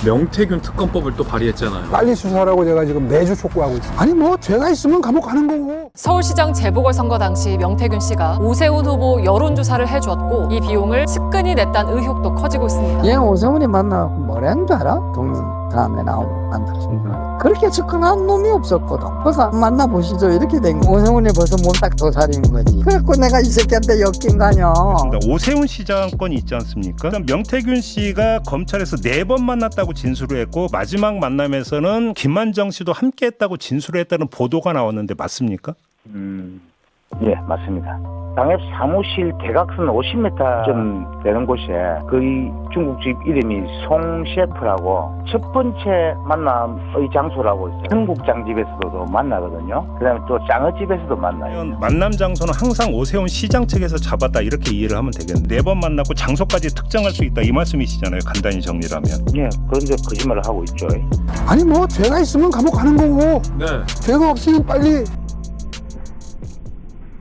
명태균 특검법을 또 발의했잖아요. 빨리 수사하라고 제가 지금 매주 촉구하고 있습니다. 아니 뭐 죄가 있으면 감옥 가는 거고. 서울시장 재보궐선거 당시 명태균 씨가 오세훈 후보 여론조사를 해줬고 이 비용을 측근이 냈다는 의혹도 커지고 있습니다. 얘 오세훈이 만나고 뭐라는 줄 알아? 동인 다음에 나오고 만났습니다. 그렇게 접근한 놈이 없었거든. 그래서 만나보시죠 이렇게 된 거. 오세훈이 벌써 몸딱 도살인 거지. 그래갖고 내가 이 새끼한테 엮인 거 아니야. 오세훈 시장 건이 있지 않습니까? 일단 명태균 씨가 검찰에서 4번 만났다고 진술을 했고 마지막 만남에서는 김만정 씨도 함께했다고 진술을 했다는 보도가 나왔는데 맞습니까? 예, 맞습니다. 당협 사무실 대각선 50m 좀 되는 곳에 거의 중국집 이름이 송 셰프라고 첫 번째 만남의 장소라고 있어요. 흥국장집에서도 만나거든요. 그다음에 또 짱어집에서도 만나요. 만남 장소는 항상 오세훈 시장 측에서 잡았다 이렇게 이해를 하면 되겠네요. 4번 만나고 장소까지 특정할 수 있다 이 말씀이시잖아요. 간단히 정리를 하면. 예, 그런데 거짓말을 하고 있죠. 아니 뭐 죄가 있으면 감옥 가는 거고. 네. 죄가 없으면 빨리